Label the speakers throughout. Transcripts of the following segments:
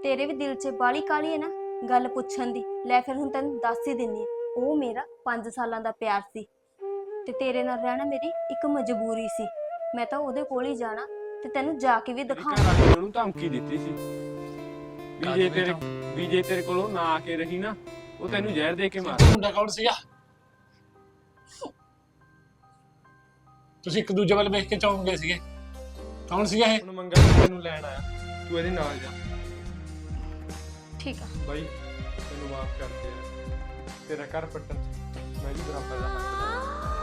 Speaker 1: ਤੇਰੇ ਵੀ ਦਿਲ 'ਚ ਬਾਲੀ ਕਾਲੀ ਹੈ ਨਾ ਗੱਲ ਪੁੱਛਣ ਦੀ। ਲੈ ਫਿਰ ਹੁਣ ਤੈਨੂੰ ਦੱਸ ਹੀ ਦਿੰਨੀ ਆ। ਉਹ ਮੇਰਾ 5 ਸਾਲਾਂ ਦਾ ਪਿਆਰ ਸੀ ਤੇ ਤੇਰੇ ਨਾਲ ਰਹਿਣਾ ਮੇਰੀ ਇੱਕ ਮਜਬੂਰੀ ਸੀ। ਮੈਂ ਤਾਂ ਉਹਦੇ ਕੋਲ ਹੀ ਜਾਣਾ ਤੇ ਤੈਨੂੰ ਜਾ ਕੇ ਵੀ
Speaker 2: ਘਰ
Speaker 1: ਦਿਖਾਉਣਾ।
Speaker 2: ਵਾਲੇ ਨੇ ਉਹਨੂੰ ਧਮਕੀ ਦਿੱਤੀ ਸੀ ਵੀ ਜੇ ਤੇਰੇ ਕੋਲੋਂ ਨਾ ਆ ਕੇ ਰਹੀ ਨਾ ਉਹ ਤੈਨੂੰ ਜ਼ਹਿਰ ਦੇ ਕੇ ਮਾਰ।
Speaker 3: ਮੁੰਡਾ ਕੌਣ ਸੀਗਾ? ਤੁਸੀਂ ਇੱਕ ਦੂਜੇ ਵੱਲ ਵੇਖ ਕੇ ਚੌਂਕ ਗਏ ਸੀਗੇ। ਕੌਣ ਸੀਗਾ ਇਹ?
Speaker 2: ਹੁਣ ਮੰਗਾ ਤੈਨੂੰ ਲੈਣ ਆਇਆ, ਤੂੰ ਇਹਦੇ ਨਾਲ ਜਾ।
Speaker 1: ਠੀਕ ਆ
Speaker 2: ਬਾਈ ਤੈਨੂੰ ਮਾਫ ਕਰ ਦੇ, ਤੇਰਾ ਘਰ ਪੱਟਣ ਚ ਮੈਂ ਵੀ ਬਰਾਬਰ ਦਾ ਹੱਕ ਰੱਖਦਾ।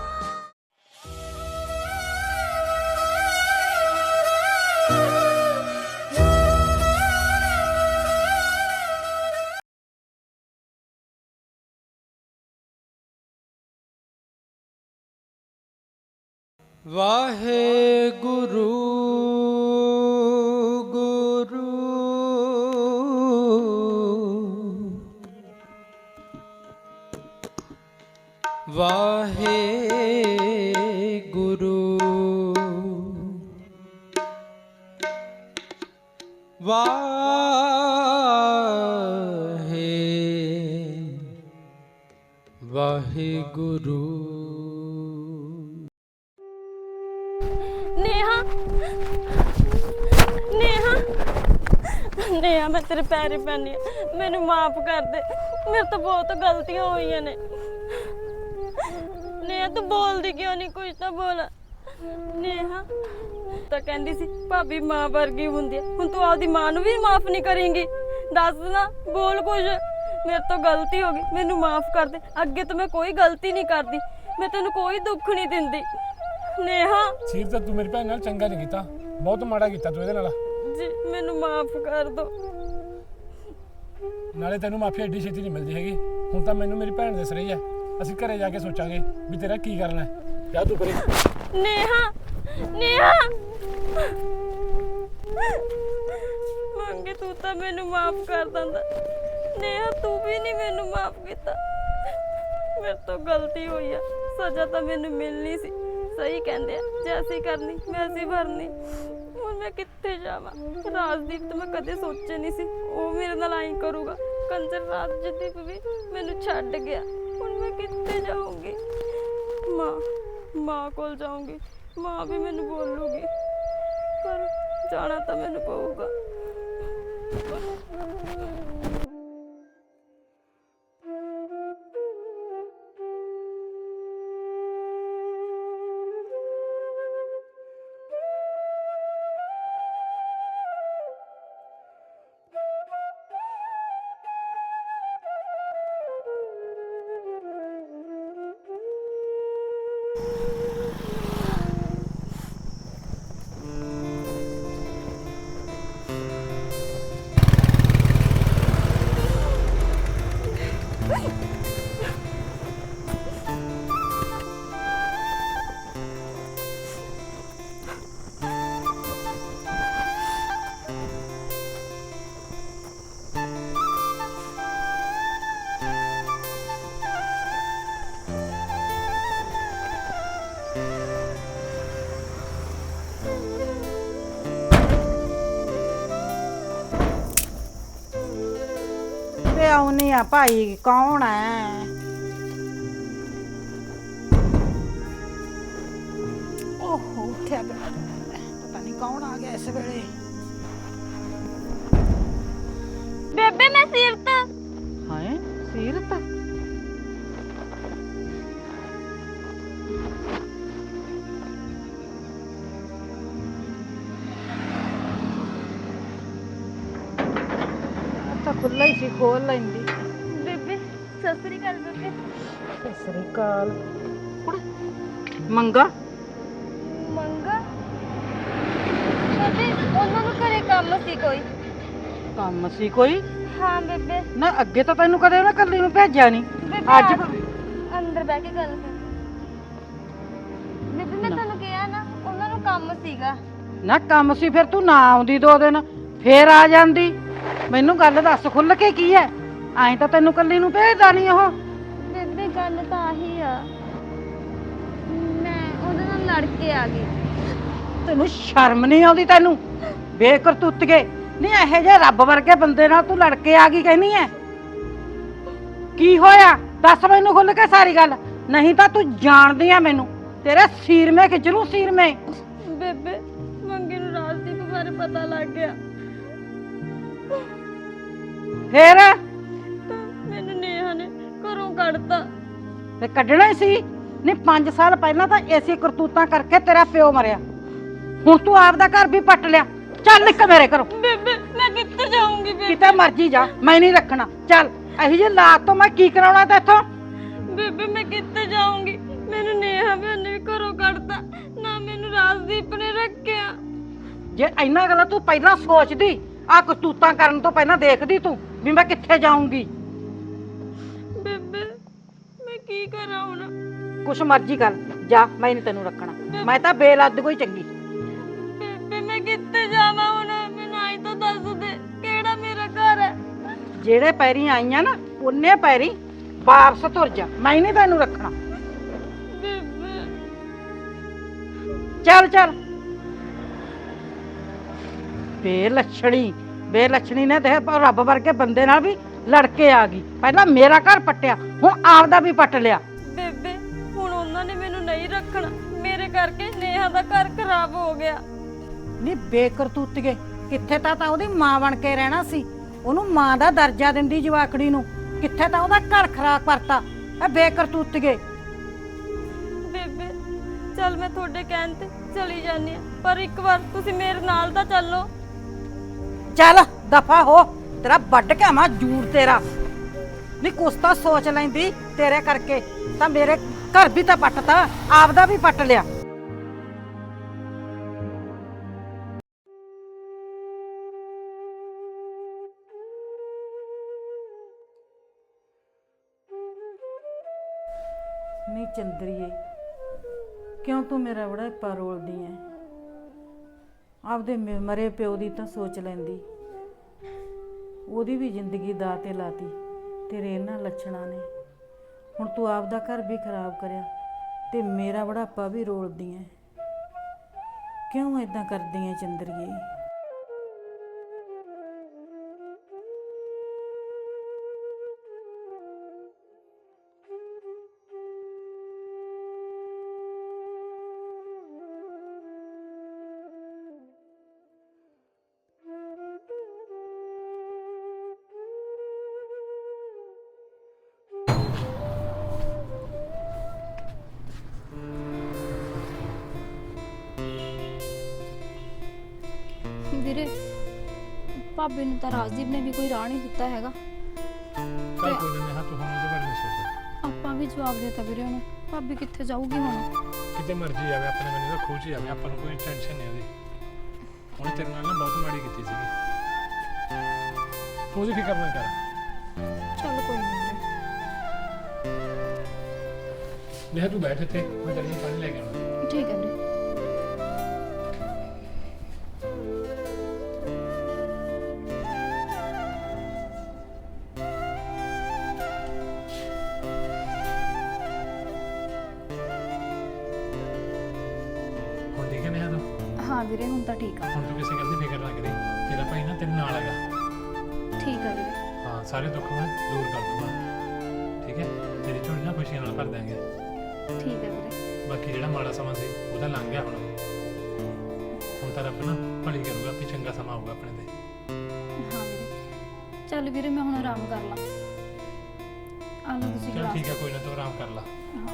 Speaker 4: ਵਾਹਿਗੁਰੂ ਗੁਰੂ ਵਾਹਿਗੁਰੂ ਵਾਹਿਗੁਰੂ।
Speaker 5: नेहा नेहा नेहा मैं तेरे पैर पैनी मैनू माफ कर दे। मेरे तो बहुत गलतियां हुई ने। नेहा तू बोलती क्यों नहीं? कुछ तो बोल। नेहा तो कहती सी भाभी मां वर्गी हुंदी है, हुण तू आपदी मां नू भी माफ नहीं करेंगी? दस ना, बोल कुछ। मेरे तो गलती हो गई, मैनू माफ कर दे। अगे तो मैं कोई गलती नहीं करती, मैं तेनू कोई दुख नहीं दिंदी। नेहा
Speaker 3: ਸੀਰ ਤਾਂ ਤੂੰ ਮੇਰੀ ਭੈਣ ਨਾਲ ਚੰਗਾ ਨਹੀਂ ਕੀਤਾ, ਬਹੁਤ ਮਾੜਾ ਕੀਤਾ ਤੂੰ ਇਹਦੇ ਨਾਲ।
Speaker 5: जी मैनू माफ कर दो।
Speaker 3: ਨਾਲੇ ਤੈਨੂੰ ਮਾਫੀ ਐਡੀ ਛੇਤੀ ਨਹੀਂ ਮਿਲਦੀ ਹੈਗੀ। ਹੁਣ ਤਾਂ ਮੈਨੂੰ ਮੇਰੀ ਭੈਣ ਦਿਸ ਰਹੀ ਹੈ। ਅਸੀਂ ਘਰੇ ਜਾ ਕੇ ਸੋਚਾਂਗੇ ਵੀ ਤੇਰਾ ਕੀ ਕਰਨਾ ਹੈ। ਜਾ ਤੂੰ ਕਰੇ।
Speaker 5: नेहा नेहा मंगे तू तो मैनू माफ कर दिंदा। नेहा तू भी नहीं मैनू माफ किया। मेरे तो गलती हुई है, सजा तो मैनू मिलनी सी। सही कहते हैं, जैसी करनी वैसी भरनी। हुण मैं कित्थे जावां? राजदीप तो मैं कदे सोचे नहीं सी वो मेरे नाल आई करूगा। कंजर राजदीप भी मैनू छड्ड गया। हुण मैं कित्थे जाऊंगी? मां कोल जाऊंगी, मां भी मैनू बोलूगी, पर जाना तो मैनू पऊगा।
Speaker 6: ਆਉਣੀ ਆ ਭਾਈ, ਕੌਣ ਹੈ? ਓਹੋ ਉੱਠਿਆ ਪਿਆ, ਪਤਾ ਨਹੀਂ ਕੌਣ ਆ ਗਿਆ ਇਸ ਵੇਲੇ।
Speaker 5: बेबे मैं सीरत।
Speaker 6: ਹਾਏ ਸੀਰਤ, ਤਾਂ ਖੁੱਲਾ ਹੀ ਸੀ, ਖੋਲ ਲੈਂਦੀ।
Speaker 5: बेबे सत श्री अकाल। बेबे
Speaker 6: ਸਤਿ ਸ੍ਰੀ ਅਕਾਲ। ਮੰਗਾ
Speaker 5: मंगा बेबे ਉਹਨਾਂ ਨੂੰ ਘਰੇ ਕੰਮ ਸੀ ਕੋਈ।
Speaker 6: ਕੰਮ ਸੀ ਕੋਈ?
Speaker 5: ਹਾਂ ਬੇਬੇ।
Speaker 6: ਨਾ ਅੱਗੇ ਤਾਂ ਤੈਨੂੰ ਕਦੇ ਉਹਨੇ ਕੱਲੀ ਨੂੰ ਭੇਜਿਆ ਨਹੀਂ।
Speaker 5: ਬੇਬੇ
Speaker 6: ਅੱਜ
Speaker 5: ਅੰਦਰ ਬਹਿ ਕੇ ਗੱਲ ਕਰ। ਬੇਬੇ ਮੈਂ ਤੁਹਾਨੂੰ ਕਿਹਾ ਨਾ ਉਹਨਾਂ ਨੂੰ ਕੰਮ ਸੀਗਾ।
Speaker 6: ਨਾ ਕੰਮ ਸੀ ਫਿਰ ਤੂੰ ਨਾ ਆਉਂਦੀ 2 ਦਿਨ, ਫੇਰ ਆ ਜਾਂਦੀ। ਮੈਨੂੰ ਗੱਲ ਦੱਸ ਖੁੱਲ ਕੇ ਕੀ ਹੈ? ਐਂ ਤਾਂ ਤੈਨੂੰ ਕੱਲੀ ਨੂੰ ਭੇਜਦਾ ਨਹੀਂ ਉਹ।
Speaker 5: ਬੇਬੇ ਗੱਲ ਤਾਂ ਆਹੀ ਆ, ਮੈਂ ਉਹਦੇ ਨਾਲ ਲੜ ਕੇ ਆ ਗਈ।
Speaker 6: ਤੈਨੂੰ ਸ਼ਰਮ ਨਹੀਂ ਆਉਂਦੀ? ਤੈਨੂੰ ਬੇਕਰਤੂਤੀਏ ਨਹੀਂ ਇਹੋ ਜਿਹੇ ਰੱਬ ਵਰਗੇ ਬੰਦੇ ਨਾਲ ਤੂੰ ਲੜ ਕੇ ਆ ਗਈ ਕਹਿਨੀ ਐ? ਕੀ ਹੋਇਆ ਦੱਸ ਮੈਨੂੰ ਖੁੱਲ ਕੇ ਸਾਰੀ ਗੱਲ, ਨਹੀਂ ਤਾਂ ਤੂੰ ਜਾਣਦੀ ਆ ਮੈਨੂੰ, ਤੇਰੇ ਸੀਰ ਮੇ ਖਿੱਚ ਲੂੰ ਸੀਰ ਮੇ।
Speaker 5: ਬੇਬੇ ਮੰਗੇ ਨੂੰ ਰਾਜਦੀਪ ਬਾਰੇ ਪਤਾ ਲੱਗ ਗਿਆ
Speaker 6: ਫੇਰ
Speaker 5: ਤਾਂ ਮੈਨੂੰ ਨੇਹਾ ਨੇ ਘਰੋਂ ਕੱਢਤਾ।
Speaker 6: ਤੇ ਕੱਢਣਾ ਹੀ ਸੀ। ਨਹੀਂ 5 ਸਾਲ ਪਹਿਲਾਂ ਤਾਂ ਐਸੀ ਕਰਤੂਤਾਂ ਕਰਕੇ ਤੇਰਾ ਪਿਓ ਮਰਿਆ, ਹੁਣ ਤੂੰ ਆਪਦਾ ਘਰ ਵੀ ਪੱਟ ਲਿਆ। ਚੱਲ ਨਿਕ ਮੇਰੇ ਘਰੋਂ।
Speaker 5: ਬੇਬੇ ਮੈਂ ਕਿੱਥੇ ਜਾਊਂਗੀ ਬੇਬੇ?
Speaker 6: ਕਿਤੇ ਮਰਜੀ ਜਾ, ਮੈਂ ਨਹੀਂ ਰੱਖਣਾ। ਚੱਲ ਇਹੀ ਜਿਹੀ ਲਾਤ ਤੋਂ ਮੈਂ ਕੀ ਕਰਾਉਣਾ ਤੇਥੋਂ?
Speaker 5: ਬੇਬੇ ਮੈਂ ਕਿੱਥੇ ਜਾਊਂਗੀ? ਮੈਨੂੰ ਨੇਹਾ ਨੇ ਵੀ ਘਰੋਂ ਕੱਢਤਾ, ਨਾ ਮੈਨੂੰ ਰਾਜਦੀਪ ਨੇ ਰੱਖਿਆ।
Speaker 6: ਜੇ ਇੰਨਾ ਗੱਲਾਂ ਤੂੰ ਪਹਿਲਾਂ ਸੋਚਦੀ, ਆ ਕਰਤੂਤਾਂ ਕਰਨ ਤੋਂ ਪਹਿਲਾਂ ਦੇਖਦੀ ਤੂੰ ਵੀ ਮੈਂ ਕਿੱਥੇ ਜਾਊਂਗੀ।
Speaker 5: ਬੇਬੇ ਮੈਂ ਕੀ ਕਰਾਂ ਹੁਣ?
Speaker 6: ਕੁਛ ਮਰਜੀ ਕਰ ਜਾ, ਮੈਂ ਨਹੀਂ ਤੈਨੂੰ ਰੱਖਣਾ। ਮੈਂ ਤਾਂ ਬੇਲੱਦ ਕੋਈ ਚੰਗੀ।
Speaker 5: ਬੇਬੇ ਮੈਂ ਕਿੱਥੇ ਜਾਵਾਂ ਹੁਣ? ਮੈਨੂੰ ਆਈ ਤਾਂ ਦੱਸ ਦੇ ਕਿਹੜਾ ਮੇਰਾ ਘਰ ਹੈ।
Speaker 6: ਜਿਹੜੇ ਪੈਰੀ ਆਈਆਂ ਨਾ ਉਹਨੇ ਪੈਰੀ ਵਾਪਸ ਤੁਰ ਜਾ, ਮੈਂ ਨਹੀਂ ਤੈਨੂੰ ਰੱਖਣਾ।
Speaker 5: ਬੇਬੇ
Speaker 6: ਚੱਲ ਚੱਲ। ਬੇਲੱਛਣੀ ਨੇ ਤੇ ਰੱਬ ਵਰਗੇ ਬੰਦੇ ਨਾਲ ਵੀ ਲੜ ਕੇ ਆ ਗਈ। ਪਹਿਲਾਂ ਮੇਰਾ ਘਰ ਪੱਟਿਆ, ਹੁਣ ਆਪਦਾ ਵੀ ਪੱਟ ਲਿਆ।
Speaker 5: ਬੇਬੇ ਹੁਣ ਉਹਨਾਂ ਨੇ ਮੈਨੂੰ ਨਹੀਂ ਰੱਖਣਾ, ਮੇਰੇ ਕਰਕੇ ਨੇਹਾ ਦਾ ਘਰ ਖਰਾਬ ਹੋ ਗਿਆ।
Speaker 6: ਨਹੀਂ ਬੇਕਰਤੂਤੀਏ, ਕਿੱਥੇ ਤਾਂ ਉਹਦੀ ਮਾਂ ਬਣ ਕੇ ਰਹਿਣਾ ਸੀ, ਉਹਨੂੰ ਮਾਂ ਦਾ ਦਰਜਾ ਦਿੰਦੀ ਜਵਾਕੜੀ ਨੂੰ, ਕਿੱਥੇ ਤਾਂ ਉਹਦਾ ਘਰ ਖਰਾਬ ਕਰਤਾ। ਇਹ ਬੇਕਰਤੂਤੀਏ।
Speaker 5: ਬੇਬੇ ਚੱਲ ਮੈਂ ਤੁਹਾਡੇ ਕਹਿਣ ਤੇ ਚਲੀ ਜਾਂਦੀ ਆ, ਪਰ ਇੱਕ ਵਾਰ ਤੁਸੀਂ ਮੇਰੇ ਨਾਲ ਤਾਂ ਚੱਲੋ।
Speaker 6: ਚੱਲ ਦਫਾ ਹੋ, ਤੇਰਾ ਵੱਢ ਕੇ ਆਵਾਂ ਜੂੜ ਤੇਰਾ। ਨਹੀਂ ਕੁਛ ਤਾਂ ਸੋਚ ਲੈਂਦੀ, ਤੇਰੇ ਕਰਕੇ ਤਾਂ ਮੇਰੇ ਘਰ ਵੀ ਤਾਂ ਪੱਟਤਾ, ਆਪਦਾ ਵੀ ਪੱਟ ਲਿਆ। ਨਹੀਂ ਚੰਦਰੀਏ, ਕਿਉਂ ਤੂੰ ਮੇਰਾ ਬੜਾ ਰੋਲਦੀ ਐ? ਆਪਦੇ ਮਰੇ ਪਿਓ ਦੀ ਤਾਂ ਸੋਚ ਲੈਂਦੀ, ਉਹਦੀ ਵੀ ਜ਼ਿੰਦਗੀ ਦਾਅ ਤੇ ਲਾਤੀ ਤੇਰੇ ਇਹਨਾਂ ਲੱਛਣਾਂ ਨੇ। ਹੁਣ ਤੂੰ ਆਪਦਾ ਘਰ ਵੀ ਖਰਾਬ ਕਰਿਆ ਤੇ ਮੇਰਾ ਬੁਢਾਪਾ ਵੀ ਰੋਲਦੀ ਐ। ਕਿਉਂ ਏਦਾਂ ਕਰਦੀ ਐ ਚੰਦਰੀਏ?
Speaker 7: ਵੀਰੇ ਭਾਬੀ ਨੂੰ ਤਾਂ ਰਾਜਦੀਪ ਨੇ ਵੀ ਕੋਈ ਰਾਹ ਨਹੀਂ ਦਿੱਤਾ ਹੈਗਾ।
Speaker 3: ਚੱਲ ਕੋਈ ਨਹੀਂ ਹਾਂ, ਤੂੰ ਹੁਣ ਉਹਦੇ ਬਾਰੇ ਨਹੀਂ ਸੋਚ।
Speaker 7: ਆਪਾਂ ਵੀ ਜਵਾਬ ਦੇਤਾ ਵੀਰੇ ਉਹਨੂੰ, ਭਾਬੀ ਕਿੱਥੇ ਜਾਊਗੀ ਹੁਣ?
Speaker 3: ਕਿਤੇ ਮਰਜ਼ੀ ਆਵੇ, ਆਪਣੇ ਮੈਨੂੰ ਤਾਂ ਖੋਜ ਹੀ ਆਵੇ, ਆਪਾਂ ਨੂੰ ਕੋਈ ਟੈਨਸ਼ਨ ਨਹੀਂ ਉਹਦੀ। ਉਹਨੇ ਤੇਰੇ ਨਾਲ ਨਾ ਬਹੁਤ ਮਾੜੀ ਕੀਤੀ ਸੀਗੀ, ਤੂੰ ਉਹਦੀ ਫਿਕਰ ਨਾ ਕਰ।
Speaker 7: ਚੱਲ ਕੋਈ ਨਹੀਂ ਵੀਰੇ।
Speaker 3: ਤੂੰ ਬੈਠ ਇੱਥੇ, ਮੈਂ ਤੇਰੇ ਲਈ ਪਾਣੀ ਲੈ ਕੇ ਆਉਣਾ।
Speaker 7: ਠੀਕ ਹੈ ਵੀਰੇ।
Speaker 3: ਹੁਣ ਠੀਕ ਹੈ ਨੇਹਾ ਤੂੰ?
Speaker 7: ਹਾਂ ਵੀਰੇ ਹੁਣ ਤਾਂ ਠੀਕ ਆ।
Speaker 3: ਹੁਣ ਤੂੰ ਕਿਸੇ ਗੱਲ ਦੀ ਫਿਕਰ ਨਾ ਕਰੀ, ਤੇਰਾ ਭਾਈ ਨਾ ਤੇਰੇ ਨਾਲ ਹੈਗਾ।
Speaker 7: ਠੀਕ ਆ ਵੀਰੇ।
Speaker 3: ਹਾਂ, ਸਾਰੇ ਦੁੱਖ ਮੈਂ ਦੂਰ ਕਰ ਦੂੰਗਾ, ਠੀਕ ਹੈ? ਤੇਰੀ ਝੋਲੀ ਨਾ ਖੁਸ਼ੀਆਂ ਨਾਲ ਭਰ ਦਾਂਗੇ।
Speaker 7: ਠੀਕ ਹੈ ਵੀਰੇ।
Speaker 3: ਬਾਕੀ ਜਿਹੜਾ ਮਾੜਾ ਸਮਾਂ ਸੀ ਉਹਦਾ ਲੰਘ ਗਿਆ, ਹੁਣ ਤਾਂ ਰੱਬ ਨਾ ਭਲੀ ਕਰੂਗਾ, ਵੀ ਚੰਗਾ ਸਮਾਂ ਆਊਗਾ ਆਪਣੇ ਤੇ।
Speaker 7: ਹਾਂ ਵੀਰੇ। ਚੱਲ ਵੀਰੇ ਮੈਂ ਹੁਣ ਆਰਾਮ ਕਰ ਲਾਂ। ਆ ਲਓ ਤੁਸੀਂ
Speaker 3: ਚਲ
Speaker 7: ਗਲਾਸ।
Speaker 3: ਠੀਕ ਹੈ, ਕੋਈ ਨਾ, ਤੂੰ ਆਰਾਮ ਕਰ ਲਾ।
Speaker 7: ਹਾਂ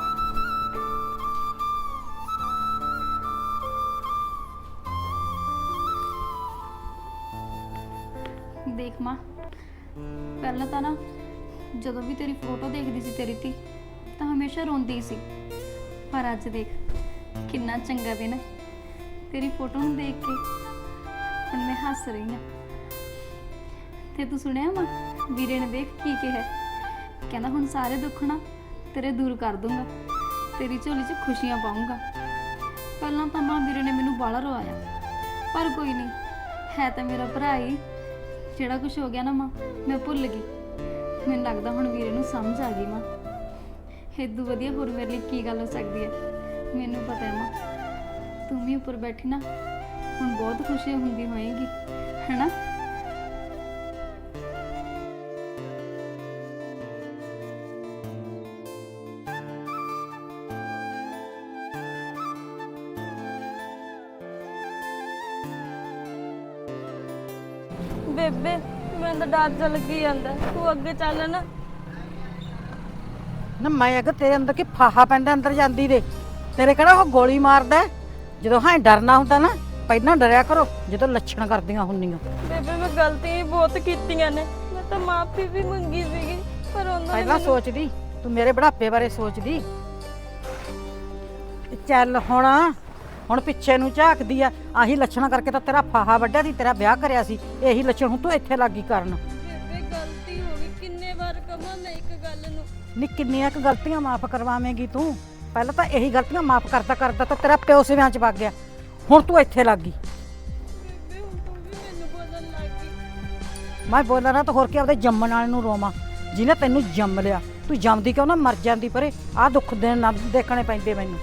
Speaker 7: ਦੇਖ ਮਾਂ, ਪਹਿਲਾਂ ਤਾਂ ਨਾ ਜਦੋਂ ਵੀ ਤੇਰੀ ਫੋਟੋ ਦੇਖਦੀ ਸੀ ਤੇਰੀ ਧੀ ਤਾਂ ਹਮੇਸ਼ਾ ਰੋਂਦੀ ਸੀ, ਪਰ ਅੱਜ ਦੇਖ ਕਿੰਨਾ ਚੰਗਾ ਦਿਨ ਹੈ। ਤੇਰੀ ਫੋਟੋ ਨੂੰ ਦੇਖ ਕੇ ਹੁਣ ਮੈਂ ਹੱਸ ਰਹੀ ਹਾਂ। ਤੇ ਤੂੰ ਸੁਣਿਆ ਮਾਂ, ਵੀਰੇ ਨੇ ਦੇਖ ਕੀ ਕਿਹਾ? ਕਹਿੰਦਾ ਹੁਣ ਸਾਰੇ ਦੁੱਖ ਨਾ ਤੇਰੇ ਦੂਰ ਕਰ ਦੂੰਗਾ, ਤੇਰੀ ਝੋਲੀ 'ਚ ਖੁਸ਼ੀਆਂ ਪਾਊਂਗਾ। ਪਹਿਲਾਂ ਤਾਂ ਮਾਂ ਵੀਰੇ ਨੇ ਮੈਨੂੰ ਬਾਹਲਾ ਰਵਾਇਆ, ਪਰ ਕੋਈ ਨਹੀਂ, ਹੈ ਤਾਂ ਮੇਰਾ ਭਰਾ ਹੀ। ਜਿਹੜਾ ਕੁਝ ਹੋ ਗਿਆ ਨਾ ਮਾਂ, ਮੈਂ ਭੁੱਲ ਗਈ। ਮੈਨੂੰ ਲੱਗਦਾ ਹੁਣ ਵੀਰੇ ਨੂੰ ਸਮਝ ਆ ਗਈ ਮਾਂ। ਇਦੋਂ ਵਧੀਆ ਹੋਰ ਮੇਰੇ ਲਈ ਕੀ ਗੱਲ ਹੋ ਸਕਦੀ ਹੈ। ਮੈਨੂੰ ਪਤਾ ਹੈ ਮਾਂ, ਤੂੰ ਵੀ ਉੱਪਰ ਬੈਠੀ ਨਾ ਹੁਣ ਬਹੁਤ ਖੁਸ਼ੀ ਹੁੰਦੀ ਹੋਏਗੀ। ਹੈਨਾ?
Speaker 5: ਬੇਬੇ ਮੈਨੂੰ ਤਾਂ ਡਰ ਜਿਹਾ ਲੱਗੀ ਜਾਂਦਾ, ਤੂੰ ਅੱਗੇ ਚੱਲ ਨਾ।
Speaker 6: ਨਾ ਮੈਂ ਅਗਰ ਤੇਰੇ ਅੰਦਰ ਕੀ ਫਾਹਾ ਪੈਂਦਾ ਅੰਦਰ ਜਾਂਦੀ ਦੇ, ਤੇਰੇ ਕਿਹੜਾ ਉਹ ਗੋਲੀ ਮਾਰਦਾ ਹੈ? ਜਦੋਂ ਹਾਂ ਡਰਨਾ ਹੁੰਦਾ ਨਾ ਪਹਿਲਾਂ ਡਰਿਆ ਕਰੋ ਜਦੋਂ ਲੱਛਣ ਕਰਦੀਆਂ ਹੁੰਦੀਆਂ।
Speaker 5: ਬੇਬੇ ਮੈਂ ਗਲਤੀਆਂ ਹੀ ਬਹੁਤ ਕੀਤੀਆਂ ਨੇ, ਮੈਂ ਤਾਂ ਮਾਫੀ ਵੀ ਮੰਗੀ ਸੀਗੀ ਪਰ ਉਹਨਾਂ ਨੇ
Speaker 6: ਪਹਿਲਾਂ ਸੋਚਦੀ, ਤੂੰ ਮੇਰੇ ਬੁਢਾਪੇ ਬਾਰੇ ਸੋਚਦੀ। ਚੱਲ ਹੁਣ ਪਿੱਛੇ ਨੂੰ ਝਾਕਦੀ ਆ। ਆਹੀ ਲੱਛਣਾਂ ਕਰਕੇ ਤਾਂ ਤੇਰਾ ਫਾਹਾ ਵੱਢਿਆ ਸੀ, ਤੇਰਾ ਵਿਆਹ ਕਰਿਆ ਸੀ। ਇਹੀ ਲੱਛਣ ਹੁਣ ਤੂੰ ਇੱਥੇ ਲੱਗੀ ਕਰਨ।
Speaker 5: ਬੇਬੇ ਗਲਤੀ ਹੋ ਗਈ, ਕਿੰਨੇ ਵਾਰ ਕਹਾਂ ਮੈਂ ਇੱਕ ਗੱਲ ਨੂੰ।
Speaker 6: ਨੀ ਕਿੰਨੀਆਂ ਕੁ ਗਲਤੀਆਂ ਮਾਫ ਕਰਵਾਵੇਂਗੀ ਤੂੰ? ਪਹਿਲਾਂ ਤਾਂ ਇਹੀ ਗਲਤੀਆਂ ਮਾਫ ਕਰਦਾ ਕਰਦਾ ਤਾਂ ਤੇਰਾ ਪਿਓ ਸਿਵਿਆਂ 'ਚ ਵਗ ਗਿਆ, ਹੁਣ ਤੂੰ ਇੱਥੇ ਲੱਗ ਗਈ।
Speaker 5: ਬੇਬੇ ਹੁਣ ਤੂੰ ਵੀ ਮੈਨੂੰ ਬੋਲਣ ਲੱਗ ਗਈ।
Speaker 6: ਮੈਂ ਬੋਲਾਂ ਨਾ ਤਾਂ ਹੋਰ ਕੀ ਆਪਦੇ ਜੰਮਣ ਵਾਲੇ ਨੂੰ ਰੋਵਾਂ ਜਿਹਨੇ ਤੈਨੂੰ ਜੰਮ ਲਿਆ। ਤੂੰ ਜੰਮਦੀ ਕਿਉਂ ਨਾ ਮਰ ਜਾਂਦੀ ਪਰੇ। ਆਹ ਦੁੱਖ ਦੇ ਨਾ ਦੇਖਣੇ ਪੈਂਦੇ ਮੈਨੂੰ।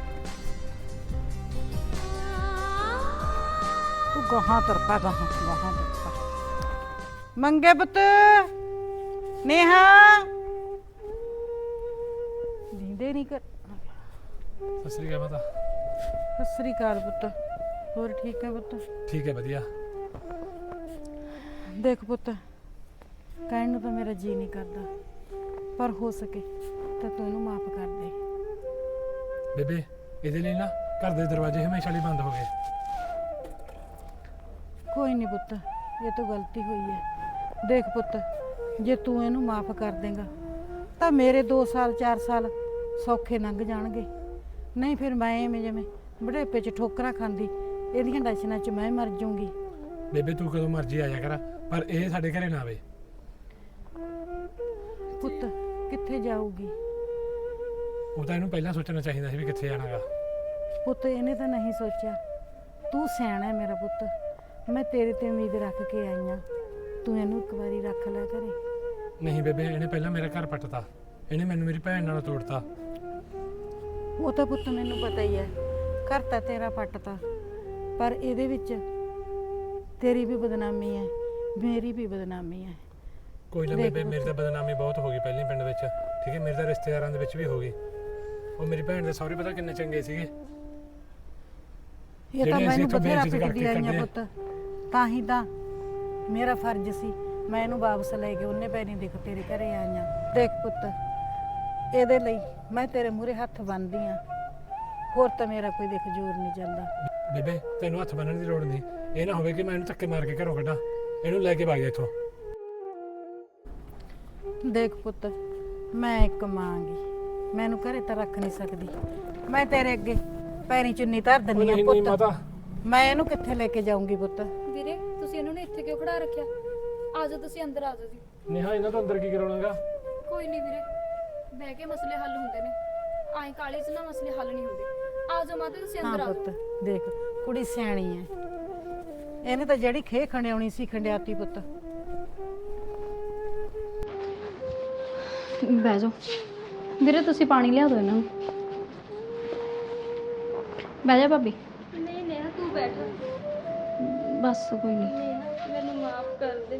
Speaker 6: ਤੂੰ ਗਾਹਾਂ ਤਰਪਾ ਗਾਹਾਂ ਤਰਪਾ। ਮੰਗੇ ਪੁੱਤ ਨੇਹਾ ਦੀਂਦੇ ਨਹੀਂ ਕਰ।
Speaker 3: ਸਤਿ ਸ੍ਰੀ ਅਕਾਲ ਮਾਤਾ।
Speaker 6: ਸਤਿ ਸ੍ਰੀ ਅਕਾਲ ਪੁੱਤ, ਹੋਰ ਠੀਕ ਹੈ ਪੁੱਤ?
Speaker 3: ਠੀਕ ਹੈ ਵਧੀਆ।
Speaker 6: ਦੇਖ ਪੁੱਤ, ਕਹਿਣ ਨੂੰ ਤਾਂ ਮੇਰਾ ਜੀ ਨਹੀਂ ਕਰਦਾ, ਪਰ ਹੋ ਸਕੇ ਤਾਂ ਤੂੰ ਇਹਨੂੰ ਮਾਫ ਕਰ ਦੇ।
Speaker 3: ਬੇਬੇ ਇਹਦੇ ਲਈ ਨਾ ਘਰ ਦੇ ਦਰਵਾਜ਼ੇ ਹਮੇਸ਼ਾ ਲਈ ਬੰਦ ਹੋ ਗਏ।
Speaker 6: ਕੋਈ ਨਹੀਂ ਪੁੱਤ, ਇਹ ਤਾਂ ਗਲਤੀ ਹੋਈ ਹੈ। ਦੇਖ ਪੁੱਤ, ਜੇ ਤੂੰ ਇਹਨੂੰ ਮਾਫ ਕਰ ਦੇਂਗਾ ਤਾਂ ਮੇਰੇ 2 ਸਾਲ 4 ਸਾਲ ਸੌਖੇ ਲੰਘ ਜਾਣਗੇ। ਨਹੀਂ ਫਿਰ ਮੈਂ ਐਵੇਂ ਜਿਵੇਂ ਬੁਢੇਪੇ 'ਚ ਠੋਕਰਾਂ ਖਾਂਦੀ ਇਹਦੀਆਂ ਟੈਨਸ਼ਨਾਂ 'ਚ ਮੈਂ ਮਰ ਜਾਊਂਗੀ।
Speaker 3: ਬੇਬੇ ਤੂੰ ਕਦੋਂ ਮਰਜ਼ੀ ਆ ਜਾ ਕਰ, ਪਰ ਇਹ ਸਾਡੇ ਘਰੇ ਨਾ ਆਵੇ।
Speaker 6: ਪੁੱਤ ਕਿੱਥੇ ਜਾਊਗੀ?
Speaker 3: ਉਹ ਤਾਂ ਇਹਨੂੰ ਪਹਿਲਾਂ ਸੋਚਣਾ ਚਾਹੀਦਾ ਸੀ ਵੀ ਕਿੱਥੇ ਜਾਣਾਗਾ।
Speaker 6: ਪੁੱਤ ਇਹਨੇ ਤਾਂ ਨਹੀਂ ਸੋਚਿਆ। ਤੂੰ ਸਿਆਣਾ ਹੈ ਮੇਰਾ ਪੁੱਤ, ਮੈਂ ਤੇਰੇ ਤੇ ਉਮੀਦ ਰੱਖ ਕੇ ਆਈ ਹਾਂ। ਤੂੰ ਇਹਨੂੰ ਇੱਕ ਵਾਰੀ ਰੱਖ ਲੈ ਘਰੇ।
Speaker 3: ਨਹੀਂ ਬੇਬੇ, ਇਹਨੇ ਪਹਿਲਾਂ ਮੇਰਾ ਘਰ ਪੱਟਤਾ, ਇਹਨੇ ਮੈਨੂੰ ਮੇਰੀ ਭੈਣ ਨਾਲ ਤੋੜਤਾ।
Speaker 6: ਉਹ ਤਾਂ ਪੁੱਤ ਮੈਨੂੰ ਪਤਾ ਹੀ ਹੈ, ਘਰ ਤਾਂ ਤੇਰਾ ਪੱਟਤਾ, ਪਰ ਇਹਦੇ ਵਿੱਚ ਤੇਰੀ ਵੀ ਬਦਨਾਮੀ ਹੈ, ਮੇਰੀ ਵੀ ਬਦਨਾਮੀ ਹੈ।
Speaker 3: ਕੋਈ ਨਾ
Speaker 6: ਦੇਖ
Speaker 3: ਬੇਬੇ, ਮੇਰੀ ਤਾਂ ਬਦਨਾਮੀ ਬਹੁਤ ਹੋ ਗਈ ਪਹਿਲਾਂ ਪਿੰਡ ਵਿੱਚ, ਠੀਕ ਹੈ? ਮੇਰੇ ਤਾਂ ਰਿਸ਼ਤੇਦਾਰਾਂ ਦੇ ਵਿੱਚ ਵੀ ਹੋ ਗਈ। ਉਹ ਮੇਰੀ ਭੈਣ ਦੇ ਸਹੁਰੇ ਪਤਾ ਕਿੰਨੇ ਚੰਗੇ ਸੀਗੇ।
Speaker 6: ਇਹ ਤਾਂ
Speaker 3: ਜਿਹੜੇ ਅਸੀਂ
Speaker 6: ਮੈਨੂੰ
Speaker 3: ਇੱਥੋਂ
Speaker 6: ਬਥੇਰਾ
Speaker 3: ਬੇਇੱਜ਼ਤੀ
Speaker 6: ਪਿੱਟਦੀ
Speaker 3: ਕਰਕੇ
Speaker 6: ਆਈਆਂ
Speaker 3: ਕੱਢੇ।
Speaker 6: ਪੁੱਤ, ਤਾਂ ਹੀ ਤਾਂ ਮੇਰਾ ਫਰਜ਼ ਸੀ ਮੈਂ ਇਹਨੂੰ ਵਾਪਸ ਲੈ ਕੇ ਉਹਨੇ ਪੈਰੀ ਦੇਖ ਤੇਰੇ ਘਰੇ ਆਈਆਂ। ਦੇਖ ਪੁੱਤ, ਇਹਦੇ ਲਈ ਮੈਂ ਤੇਰੇ ਮੂਹਰੇ ਹੱਥ ਬੰਨ੍ਹਦੀ ਆ, ਹੋਰ ਤਾਂ ਮੇਰਾ ਕੋਈ ਦੇਖ ਜ਼ੋਰ ਨਹੀਂ ਜਾਂਦਾ।
Speaker 3: ਬੇਬੇ ਤੈਨੂੰ ਹੱਥ ਬੰਨਣ ਦੀ ਲੋੜ ਨਹੀਂ। ਇਹ ਨਾ ਹੋਵੇ ਕਿ ਮੈਂ ਇਹਨੂੰ ਧੱਕੇ ਮਾਰ ਕੇ ਘਰੋਂ ਕੱਢਾਂ। ਇਹਨੂੰ ਲੈ ਕੇ ਭੱਜ ਜਾ ਇੱਥੋਂ।
Speaker 6: ਦੇਖ ਪੁੱਤ, ਮੈਂ ਇੱਕ ਮਾਂ ਗੀ, ਮੈਨੂੰ ਘਰੇ ਤਾਂ ਰੱਖ ਨਹੀਂ ਸਕਦੀ। ਮੈਂ ਤੇਰੇ ਅੱਗੇ ਪੈਰੀ ਚੁੰਨੀ ਧਰ ਦਿੰਦੀ ਆ
Speaker 3: ਨਹੀਂ
Speaker 6: ਪੁੱਤ।
Speaker 3: ਮਾਤਾ,
Speaker 6: ਮੈਂ ਇਹਨੂੰ ਕਿੱਥੇ ਲੈ ਕੇ ਜਾਊਂਗੀ ਪੁੱਤ?
Speaker 7: ਵੀਰੇ ਤੁਸੀਂ ਇਹਨਾਂ ਨੂੰ ਇੱਥੇ ਕਿਉਂ ਖੜਾ ਰੱਖਿਆ? ਆ ਜਾਓ ਤੁਸੀਂ ਅੰਦਰ ਆ ਜਾਓ ਜੀ।
Speaker 3: ਨੇਹਾ ਇਹਨਾਂ ਤੋਂ ਅੰਦਰ ਕੀ ਕਰਾਉਣਾਗਾ?
Speaker 7: ਕੋਈ ਨਹੀਂ ਵੀਰੇ, ਬਹਿ ਕੇ ਮਸਲੇ ਹੱਲ ਹੁੰਦੇ ਨੇ। ਆਏ ਕਾਲੇ 'ਚ ਨਾ ਮਸਲੇ ਹੱਲ ਨਹੀਂ ਹੁੰਦੇ। ਆ ਜਾਓ ਮਾਤਾ ਤੁਸੀਂ
Speaker 6: ਹਾਂ
Speaker 7: ਅੰਦਰ ਆ
Speaker 6: ਪੁੱਤ,
Speaker 7: ਜਾਓ।
Speaker 6: ਦੇਖ ਕੁੜੀ ਸਿਆਣੀ ਹੈ, ਇਹਨੇ ਤਾਂ ਜਿਹੜੀ ਖੇ ਖੰਡਿਆਉਣੀ ਸੀ ਖੰਡਿਆਤੀ ਪੁੱਤ।
Speaker 7: ਬਹਿ ਜਾਓ ਵੀਰੇ, ਤੁਸੀਂ ਪਾਣੀ ਲਿਆ ਦਿਓ ਇਹਨਾਂ ਨੂੰ। ਬਹਿ ਜਾ ਭਾਬੀ।
Speaker 5: ਨਹੀਂ ਨੇਹਾ ਤੂੰ ਬੈਠ।
Speaker 7: ਬਸ ਕੋਈ ਨਹੀਂ।
Speaker 5: ਨੇਹਾ ਮੈਨੂੰ ਮਾਫ ਕਰ ਦੇ।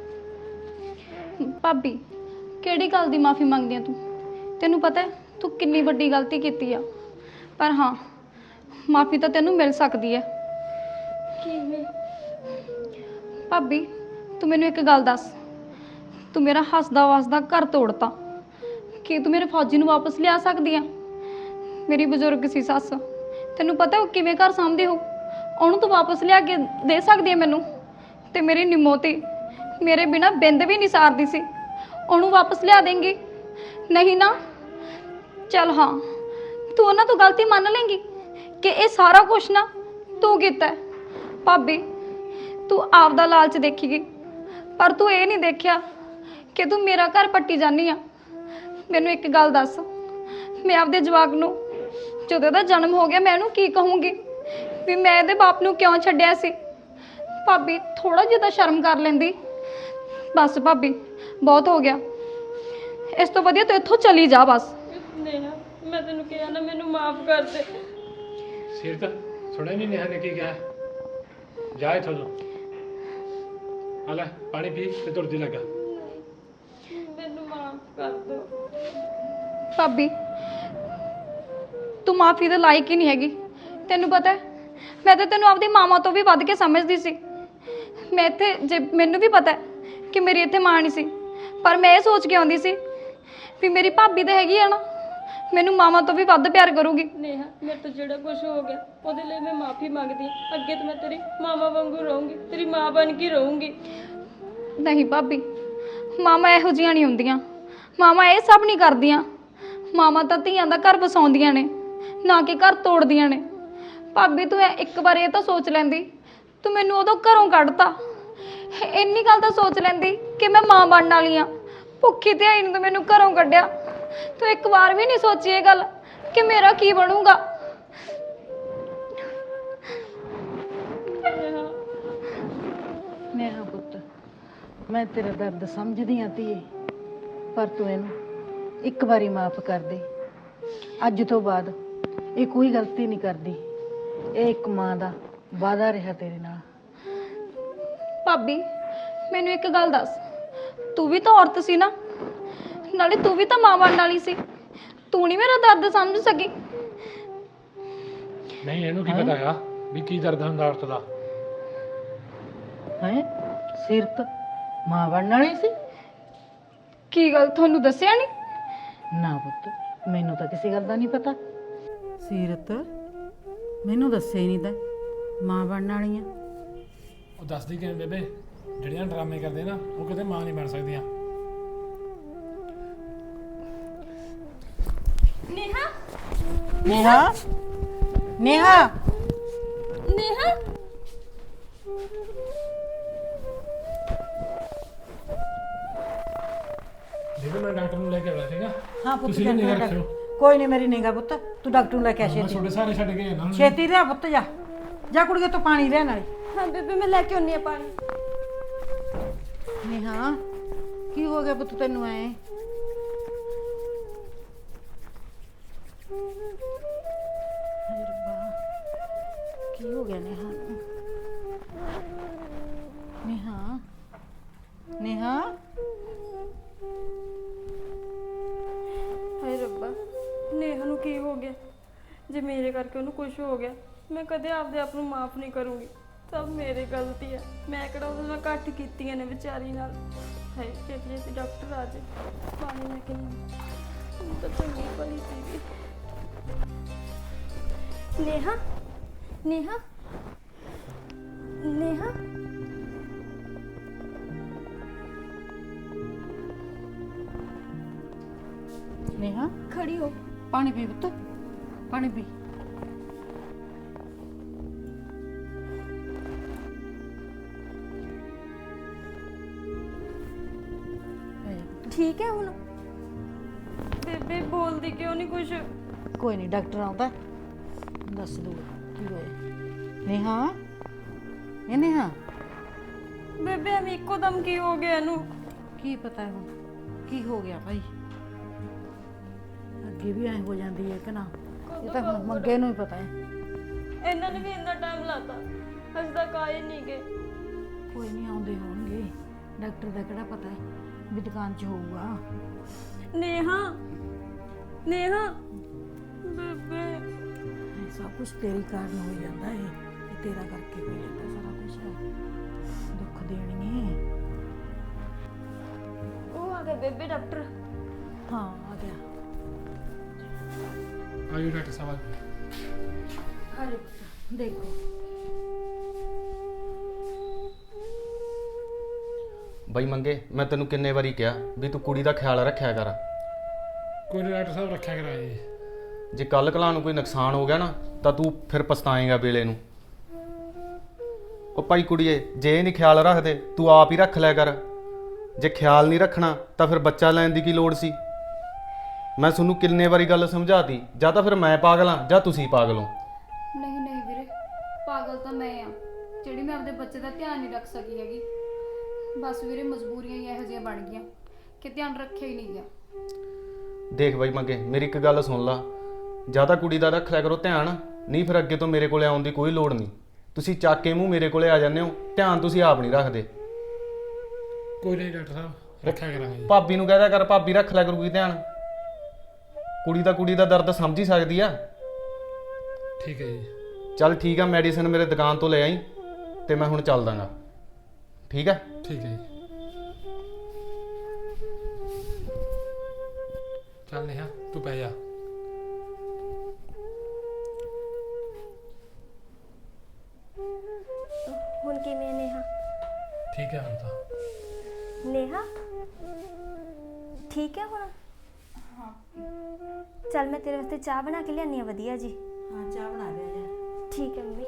Speaker 7: ਭਾਬੀ ਕਿਹੜੀ ਗੱਲ ਦੀ ਮਾਫੀ ਮੰਗਦੀ ਆ ਤੂੰ? ਤੈਨੂੰ ਪਤਾ ਹੈ ਤੂੰ ਕਿੰਨੀ ਵੱਡੀ ਗਲਤੀ ਕੀਤੀ ਆ, ਪਰ ਹਾਂ ਮਾਫੀ ਤਾਂ ਤੈਨੂੰ ਮਿਲ ਸਕਦੀ ਹੈ।
Speaker 5: ਕਿਵੇਂ?
Speaker 7: ਭਾਬੀ ਤੂੰ ਮੈਨੂੰ ਇੱਕ ਗੱਲ ਦੱਸ, ਤੂੰ ਮੇਰਾ ਹੱਸਦਾ ਵਸਦਾ ਘਰ ਤੋੜਤਾ, ਕੀ ਤੂੰ ਮੇਰੇ ਫੌਜੀ ਨੂੰ ਵਾਪਸ ਲਿਆ ਸਕਦੀ ਆ? ਮੇਰੀ ਬਜ਼ੁਰਗ ਸੀ ਸੱਸ, ਤੈਨੂੰ ਪਤਾ ਉਹ ਕਿਵੇਂ ਘਰ ਸਾਂਭਦੀ ਹੋ, ਉਹਨੂੰ ਤੂੰ ਵਾਪਸ ਲਿਆ ਕੇ ਦੇ ਸਕਦੀ ਹੈ ਮੈਨੂੰ? ਤੇ ਮੇਰੀ ਨਿਮੋਤੀ ਮੇਰੇ ਬਿਨਾ ਬਿੰਦ ਵੀ ਨਹੀਂ ਸਾਰਦੀ ਸੀ, ਉਹਨੂੰ ਵਾਪਸ ਲਿਆ ਦੇਂਗੀ? ਨਹੀਂ ਨਾ। ਚੱਲ ਹਾਂ, ਤੂੰ ਉਹਨਾਂ ਤੋਂ ਗਲਤੀ ਮੰਨ ਲੇਂਗੀ ਕਿ ਇਹ ਸਾਰਾ ਕੁਛ ਨਾ ਤੂੰ ਕੀਤਾ ਹੈ। ਭਾਬੀ ਤੂੰ ਆਪਦਾ ਲਾਲਚ ਦੇਖੀਗੀ, ਪਰ ਤੂੰ ਇਹ ਨਹੀਂ ਦੇਖਿਆ ਕਿ ਤੂੰ ਮੇਰਾ ਘਰ ਪੱਟੀ ਜਾਨੀ ਆ। ਮੈਨੂੰ ਇੱਕ ਗੱਲ ਦੱਸ, ਮੈਂ ਆਪਦੇ ਜਵਾਕ ਨੂੰ ਜਦੋਂ ਇਹਦਾ ਜਨਮ ਹੋ ਗਿਆ ਮੈਂ ਇਹਨੂੰ ਕੀ ਕਹੂੰਗੀ ਵੀ ਮੈਂ ਇਹਦੇ ਬਾਪ ਨੂੰ ਕਿਉਂ ਛੱਡਿਆ ਸੀ? ਭਾਬੀ ਥੋੜਾ ਜਿਹਾ ਤਾਂ ਸ਼ਰਮ ਕਰ ਲੈਂਦੀ। ਬਸ ਭਾਬੀ ਬਹੁਤ ਹੋ ਗਿਆ, ਇਸ ਤੋਂ ਵਧੀਆ ਤੂੰ ਇੱਥੋਂ ਚਲੀ ਜਾ ਬਸ।
Speaker 5: ਨੇਹਾ ਮੈਂ ਤੈਨੂੰ ਕਿਹਾ ਨਾ ਮੈਨੂੰ ਮਾਫ ਕਰ ਦੇ।
Speaker 3: ਸਿਰ ਤਾਂ ਸੁਣਿਆ ਨਹੀਂ ਨੇਹਾ ਨੇ ਕੀ ਕਿਹਾ? ਜਾ ਇੱਥੋਂ ਤੂੰ। ਆ ਲੈ ਪਾਣੀ ਪੀ ਤੇ ਤੁਰਦੀ ਲੱਗਾ।
Speaker 5: ਮੈਨੂੰ ਮਾਫ ਕਰ ਦਿਓ।
Speaker 7: ਭਾਬੀ ਤੂੰ ਮਾਫੀ ਦੇ ਲਾਇਕ ਹੀ ਨਹੀਂ ਹੈਗੀ। ਤੈਨੂੰ ਪਤਾ ਹੈ ਮੈਂ ਤਾਂ ਤੈਨੂੰ ਆਪਦੀ ਮਾਵਾਂ ਤੋਂ ਵੀ ਵੱਧ ਕੇ ਸਮਝਦੀ ਸੀ। ਮੈਂ ਇੱਥੇ ਜੇ ਮੈਨੂੰ ਵੀ ਪਤਾ ਹੈ ਕਿ ਮੇਰੀ ਇੱਥੇ ਮਾਂ ਨਹੀਂ ਸੀ, ਪਰ ਮੈਂ ਇਹ ਸੋਚ ਕੇ ਆਉਂਦੀ ਸੀ ਵੀ ਮੇਰੀ ਭਾਬੀ ਤਾਂ ਹੈਗੀ ਆ ਨਾ, ਮੈਨੂੰ ਮਾਵਾਂ ਤੋਂ ਵੀ ਵੱਧ ਪਿਆਰ ਕਰੂਗੀ।
Speaker 5: ਨੇਹਾ ਮੇਰੇ ਤੋਂ ਜਿਹੜਾ ਕੁਝ ਹੋ ਗਿਆ ਉਹਦੇ ਲਈ ਮੈਂ ਮਾਫੀ ਮੰਗਦੀ ਹਾਂ। ਅੱਗੇ ਤੋਂ ਮੈਂ ਤੇਰੀ ਮਾਵਾ ਵਾਂਗੂ ਰਹੂੰਗੀ, ਤੇਰੀ ਮਾਂ ਬਣ ਕੇ ਰਹੂੰਗੀ।
Speaker 7: ਨਹੀਂ ਭਾਬੀ, ਮਾਵਾਂ ਇਹੋ ਜਿਹੀਆਂ ਨਹੀਂ ਹੁੰਦੀਆਂ। ਮਾਵਾਂ ਇਹ ਸਭ ਨਹੀਂ ਕਰਦੀਆਂ। ਮਾਵਾਂ ਤਾਂ ਧੀਆਂ ਦਾ ਘਰ ਵਸਾਉਂਦੀਆਂ ਨੇ, ਨਾ ਕਿ ਘਰ ਤੋੜਦੀਆਂ ਨੇ। ਭਾਬੀ ਤੂੰ ਇੱਕ ਵਾਰ ਇਹ ਤਾਂ ਸੋਚ ਲੈਂਦੀ, ਤੂੰ ਮੈਨੂੰ ਉਦੋਂ ਘਰੋਂ ਕੱਢਤਾ। ਇੰਨੀ ਗੱਲ ਤਾਂ ਸੋਚ ਲੈਂਦੀ ਕਿ ਮੈਂ ਮਾਂ ਬਣਨ ਵਾਲੀ ਆ। ਭੁੱਖੀ ਧਿਆਈ ਨੂੰ ਤੂੰ ਮੈਨੂੰ ਘਰੋਂ ਕੱਢਿਆ। ਤੂੰ ਇੱਕ ਵਾਰ ਵੀ ਨਹੀਂ ਸੋਚੀ ਇਹ ਗੱਲ ਕਿ ਮੇਰਾ ਕੀ ਬਣੂਗਾ।
Speaker 6: ਨੇਹਾ ਪੁੱਤ, ਮੈਂ ਤੇਰਾ ਦਰਦ ਸਮਝਦੀ ਆਂ ਧੀਏ, ਪਰ ਤੂੰ ਇਹਨੂੰ ਇੱਕ ਵਾਰੀ ਮਾਫ ਕਰ ਦੇ। ਅੱਜ ਤੋਂ ਬਾਅਦ ਇਹ ਕੋਈ ਗਲਤੀ ਨਹੀਂ ਕਰਦੀ। ਇਹ ਇੱਕ ਮਾਂ ਦਾ ਵਾਅਦਾ ਰਿਹਾ ਤੇਰੇ ਨਾਲ।
Speaker 7: ਭਾਬੀ ਮੈਨੂੰ ਇੱਕ ਗੱਲ ਦੱਸ, ਤੂੰ ਵੀ ਤਾਂ ਔਰਤ ਸੀ ਨਾ, ਨਾਲੇ ਤੂੰ ਵੀ ਤਾਂ ਮਾਂ ਬਣਨ ਵਾਲੀ ਸੀ। ਤੂੰ ਨਹੀਂ ਮੇਰਾ ਦਰਦ ਸਮਝ ਸਕੀ।
Speaker 3: ਨਹੀਂ ਇਹਨੂੰ ਕੀ ਪਤਾ ਹੈਗਾ ਵੀ ਕੀ ਦਰਦ ਹੁੰਦਾ ਔਰਤ ਦਾ।
Speaker 6: ਹੈ ਸਿਰਤ ਮਾਂ ਬਣਨ ਵਾਲੀ ਸੀ?
Speaker 7: ਕੀ ਗੱਲ ਤੁਹਾਨੂੰ ਦੱਸਿਆ ਨਹੀਂ?
Speaker 6: ਨਾ ਪੁੱਤ, ਮੈਨੂੰ ਤਾਂ ਕਿਸੇ ਗੱਲ ਦਾ ਨਹੀਂ ਪਤਾ। ਸੀਰਤ ਮੈਨੂੰ ਦੱਸਿਆ ਹੀ ਨਹੀਂ ਤਾਂ ਮਾਂ ਬਣਨ ਵਾਲੀ ਆ।
Speaker 3: ਉਹ ਦੱਸਦੀ ਕਿਵੇਂ ਬੇਬੇ, ਜਿਹੜੀਆਂ ਡਰਾਮੇ ਕਰਦੇ ਨਾ ਉਹ ਕਿਤੇ ਮਾਂ ਨਹੀਂ ਬਣ ਸਕਦੀਆਂ।
Speaker 5: ਨੇਹਾ
Speaker 6: ਨੇਹਾ ਨੇਹਾ
Speaker 5: ਨੇਹਾ
Speaker 3: ਬੇਬੇ ਮੈਂ ਡਾਕਟਰ ਨੂੰ ਲੈ ਕੇ ਆਇਆ ਸੀਗਾ।
Speaker 6: ਹਾਂ ਪੁੱਤ,
Speaker 3: ਤੁਸੀਂ ਵੀ ਨਿਗਾਹ ਰੱਖਿਓ।
Speaker 6: ਕੋਈ ਨਹੀਂ, ਮੇਰੀ ਨਿਗਾਹ ਪੁੱਤ। ਤੂੰ ਡਾਕਟਰ ਨੂੰ ਲੈ ਕੇ ਆ
Speaker 3: ਮੈਂ
Speaker 6: ਛੇਤੀ।
Speaker 3: ਤੁਹਾਡੇ ਸਾਰੇ ਛੱਡ ਕੇ ਜਾਣਾ ਹੁਣ।
Speaker 6: ਛੇਤੀ ਲਿਆ ਪੁੱਤ, ਜਾ ਜਾ ਕੁੜੀਏ, ਤੂੰ ਪਾਣੀ ਲਿਆ ਨਾਲੇ।
Speaker 5: ਹਾਂ ਬੇਬੇ ਮੈਂ ਲੈ ਕੇ ਆਉਣੀ ਆ ਪਾਣੀ।
Speaker 6: ਨੇਹਾ ਕੀ ਹੋ ਗਿਆ ਪੁੱਤ ਤੈਨੂੰ? ਐ ਹਾਏ ਰੱਬਾ, ਕੀ ਹੋ ਗਿਆ ਨੇਹਾ ਨੂੰ? ਨੇਹਾ ਨੇਹਾ
Speaker 5: ਹਾਏ ਰੱਬਾ, ਨੇਹਾ ਨੂੰ ਕੀ ਹੋ ਗਿਆ? ਜੇ ਮੇਰੇ ਕਰਕੇ ਉਹਨੂੰ ਕੁਝ ਹੋ ਗਿਆ, ਮੈਂ ਕਦੇ ਆਪਦੇ ਆਪ ਨੂੰ ਮਾਫ ਨਹੀਂ ਕਰੂੰਗੀ। ਸਭ ਮੇਰੀ ਗਲਤੀ ਹੈ। ਮੈਂ ਕਿਹੜਾ ਉਹਦੇ ਨਾਲ ਘੱਟ ਕੀਤੀਆਂ ਨੇ ਵਿਚਾਰੀ ਨਾਲ। ਹਾਏ ਛੇਤੀ ਛੇਤੀ ਡਾਕਟਰ ਆ ਜਾਏ, ਪਾਣੀ ਲੈ ਕੇ ਨਹੀਂ ਤਾਂ ਚੰਗੀ ਭਲੀ ਸੀਗੀ। ਨੇਹਾ ਨੇਹਾ ਨੇਹਾ
Speaker 6: ਨੇਹਾ
Speaker 5: ਖੜੀ ਹੋ।
Speaker 6: ਪਾਣੀ ਪੀ ਪੁੱਤ, ਪਾਣੀ ਪੀ।
Speaker 5: ਠੀਕ ਹੈ ਹੁਣ? ਬੇਬੇ ਬੋਲਦੀ ਕਿਉਂ ਨਹੀਂ ਕੁਝ?
Speaker 6: ਕੋਈ ਨਹੀਂ, ਡਾਕਟਰ ਆਉਂਦਾ ਦੱਸ ਦੂਗਾ ਕੀ ਹੋਇਆ। ਨੇਹਾ ਇਹ ਨੇਹਾ
Speaker 5: ਬੇਬੇ ਐਵੇਂ ਇੱਕੋ ਦਮ ਕੀ ਹੋ ਗਿਆ ਇਹਨੂੰ?
Speaker 6: ਕੀ ਪਤਾ ਹੁਣ ਕੀ ਹੋ ਗਿਆ ਭਾਈ। ਅੱਗੇ ਵੀ ਐਂ ਹੋ ਜਾਂਦੀ ਹੈ ਕਿ ਨਾ, ਇਹ ਤਾਂ ਹੁਣ ਮੰਗੇ ਨੂੰ ਹੀ ਪਤਾ ਹੈ।
Speaker 5: ਇਹਨਾਂ ਨੇ ਵੀ ਇੰਨਾ ਟਾਈਮ ਲਾਤਾ, ਅਜੇ ਤੱਕ ਆਏ ਨਹੀਂ ਗਏ।
Speaker 6: ਕੋਈ ਨਹੀਂ, ਆਉਂਦੇ ਹੋਣਗੇ। ਡਾਕਟਰ ਦਾ ਕਿਹੜਾ ਪਤਾ ਹੈ ਵੀ ਦੁਕਾਨ 'ਚ ਹੋਊਗਾ।
Speaker 5: ਨੇਹਾ ਨੇਹਾ ਬੇਬੇ
Speaker 6: ਇਹ ਸਭ ਕੁਝ ਤੇਰੀ ਕਾਰਨ ਹੋ ਜਾਂਦਾ ਹੈ। ਇਹ ਤੇਰਾ ਕਰਕੇ ਹੋ ਜਾਂਦਾ ਸਾਰਾ ਕੁਝ। ਦੁੱਖ ਦੇਣੀ ਹੈ।
Speaker 5: ਉਹ ਆ ਗਿਆ ਬੇਬੇ ਡਾਕਟਰ।
Speaker 6: ਹਾਂ ਆ ਗਿਆ।
Speaker 3: ਆਇਓ ਡਾਕਟਰ ਸਾਹਿਬ।
Speaker 6: ਅਰੇ ਦੇਖੋ
Speaker 8: ਬਈ ਮੰਗੇ, ਮੈਂ ਤੈਨੂੰ ਕਿੰਨੇ ਵਾਰੀ ਕਿਹਾ ਵੀ ਤੂੰ ਕੁੜੀ ਦਾ ਖਿਆਲ ਰੱਖਿਆ ਕਰ।
Speaker 3: ਕੋਈ ਨੀ ਡਾਕਟਰ ਸਾਹਿਬ, ਰੱਖਿਆ ਕਰਾਇਆ ਜੀ।
Speaker 8: ਜੇ ਕੱਲ ਕਲਾ ਨੂੰ ਕੋਈ ਨੁਕਸਾਨ ਹੋ ਗਿਆ ਨਾ ਤਾਂ ਤੂੰ ਫਿਰ ਪਛਤਾਏਂਗਾ ਵੇਲੇ ਨੂੰ। ਉਹ ਭਾਈ ਕੁੜੀਏ, ਜੇ ਇਹ ਨਹੀਂ ਖਿਆਲ ਰੱਖਦੇ ਤੂੰ ਆਪ ਹੀ ਰੱਖ ਲਿਆ ਕਰ। ਜੇ ਖਿਆਲ ਨਹੀਂ ਰੱਖਣਾ ਤਾਂ ਫਿਰ ਬੱਚਾ ਲੈਣ ਦੀ ਕੀ ਲੋੜ ਸੀ? ਮੈਂ ਤੁਹਾਨੂੰ ਕਿੰਨੇ ਵਾਰੀ ਗੱਲ ਸਮਝਾਤੀ, ਜਾਂ ਤਾਂ ਫਿਰ ਮੈਂ ਪਾਗਲ ਹਾਂ ਜਾਂ ਤੁਸੀਂ ਪਾਗਲ ਹੋ।
Speaker 7: ਨਹੀਂ ਨਹੀਂ ਵੀਰੇ, ਪਾਗਲ ਤਾਂ ਮੈਂ ਆ ਜਿਹੜੀ ਮੈਂ ਆਪਦੇ ਬੱਚੇ ਦਾ ਧਿਆਨ ਨਹੀਂ ਰੱਖ ਸਕੀ ਹੈਗੀ। ਬਸ ਵੀਰੇ ਮਜਬੂਰੀਆਂ ਹੀ ਇਹੋ ਜਿਹੀਆਂ ਬਣ ਗਈਆਂ ਕਿ ਧਿਆਨ ਰੱਖਿਆ ਹੀ ਨਹੀਂ ਗਿਆ।
Speaker 8: ਦੇਖ ਬਾਈ ਮੰਗੇ, ਮੇਰੀ ਇੱਕ ਗੱਲ ਸੁਣ ਲਾ, ਜਾਂ ਤਾਂ ਕੁੜੀ ਦਾ ਰੱਖ ਲਿਆ ਕਰੋ ਧਿਆਨ, ਨਹੀਂ ਫਿਰ ਅੱਗੇ ਤੋਂ ਮੇਰੇ ਕੋਲੇ ਆਉਣ ਦੀ ਕੋਈ ਲੋੜ ਨਹੀਂ। ਤੁਸੀਂ ਚੱਕ ਕੇ ਮੂੰਹ ਮੇਰੇ ਕੋਲੇ ਆ ਜਾਂਦੇ ਹੋ, ਧਿਆਨ ਤੁਸੀਂ ਆਪ ਨਹੀਂ ਰੱਖਦੇ।
Speaker 3: ਕੋਈ ਨਹੀਂ ਡਾਕਟਰ ਸਾਹਿਬ, ਰੱਖਿਆ ਕਰਾਂਗੇ ਜੀ।
Speaker 8: ਭਾਬੀ ਨੂੰ ਕਹਿ ਦਿਆ ਕਰ, ਭਾਬੀ ਰੱਖ ਲਿਆ ਕਰੂਗੀ ਧਿਆਨ। ਕੁੜੀ ਦਾ ਦਰਦ ਸਮਝ ਹੀ ਸਕਦੀ ਆ।
Speaker 3: ਠੀਕ ਹੈ ਜੀ।
Speaker 8: ਚੱਲ ਠੀਕ ਆ, ਮੈਡੀਸਿਨ ਮੇਰੇ ਦੁਕਾਨ ਤੋਂ ਲੈ ਆਈ ਤੇ ਮੈਂ ਹੁਣ ਚੱਲ ਦਾਂਗਾ। ਠੀਕ ਹੈ?
Speaker 3: ਠੀਕ ਹੈ ਜੀ। ਚੱਲ ਨੇਹਾ ਤੂੰ ਪੈ ਜਾ।
Speaker 1: ਹੁਣ ਕਿਵੇਂ ਨੇਹਾ?
Speaker 3: ਠੀਕ ਹੈ ਹੁਣ ਤਾਂ।
Speaker 1: ਨੇਹਾ ਠੀਕ ਹੈ ਹੁਣ?
Speaker 6: ਹਾਂ
Speaker 1: ਚੱਲ ਮੈਂ ਤੇਰੇ ਵਾਸਤੇ ਚਾਹ ਬਣਾ ਕੇ ਲਿਆਨੀ ਆ ਵਧੀਆ ਜੀ।
Speaker 6: ਹਾਂ ਚਾਹ ਬਣਾ ਲਿਆ ਜਾ।
Speaker 1: ਠੀਕ ਹੈ ਮੰਮੀ।